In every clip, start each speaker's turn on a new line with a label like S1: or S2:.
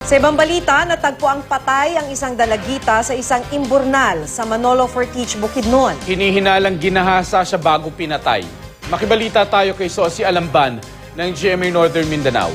S1: Sa ibang balita, natagpo ang patay ang isang dalagita sa isang imburnal sa Manolo Fortich, Bukidnon.
S2: Hinihinalang ginahasa siya bago pinatay. Makibalita tayo kay Sosi Alamban ng GMA Northern Mindanao.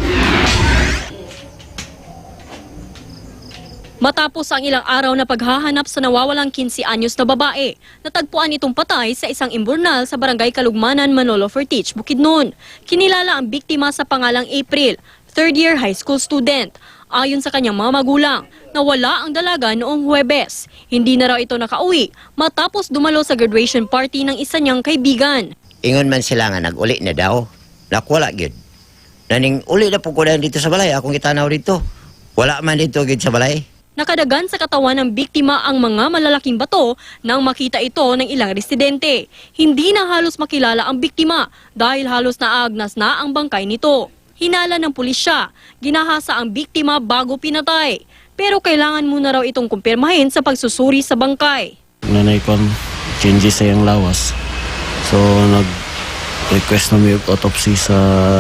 S3: Matapos ang ilang araw na paghahanap sa nawawalang 15 anyos na babae, natagpuan itong patay sa isang imburnal sa barangay Kalugmanan, Manolo Fortich, Bukidnon. Kinilala ang biktima sa pangalang April, third-year high school student. Ayon sa kanyang mga magulang, nawala ang dalaga noong Huwebes. Hindi na raw ito nakauwi matapos dumalo sa graduation party ng isa niyang kaibigan.
S4: Ingon man sila nga nag-uli na daw. Nakwala gyud. Naning uli na po ko dito sa balay. Akong itanaw dito. Wala man dito gyud sa balay.
S3: Nakadagan sa katawan ng biktima ang mga malalaking bato nang makita ito ng ilang residente. Hindi na halos makilala ang biktima dahil halos naagnas na ang bangkay nito. Hinala ng pulisya, ginahasa ang biktima bago pinatay. Pero kailangan muna raw itong kumpirmahin sa pagsusuri sa bangkay.
S5: Nanay ko changes sa iyang lawas. So nag-request na may autopsy sa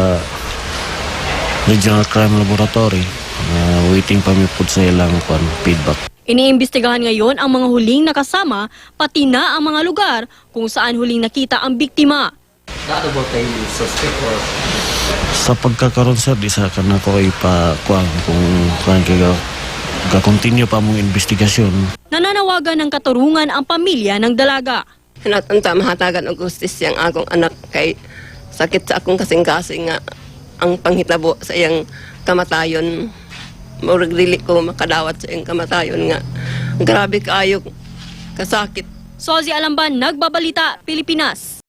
S5: Regional Crime Laboratory. Waiting pa may po sa ilang feedback.
S3: Iniimbestigahan ngayon ang mga huling nakasama, pati na ang mga lugar kung saan huling nakita ang biktima.
S5: Sa pagkakaroon sir, di sa kana ko ipakuang kung saan kayo continue pa mong investigasyon.
S3: Nananawagan ng katurungan ang pamilya ng dalaga.
S6: Hinatanta mahatagan og justisya ang akong anak kay sakit sa akong kasing-kasing nga ang panghitabo sa iyang kamatayon. Murag dili ko makadawat sa iyang kamatayon nga grabe kaayo kasakit.
S3: Sozi Alamban, Nagbabalita, Pilipinas.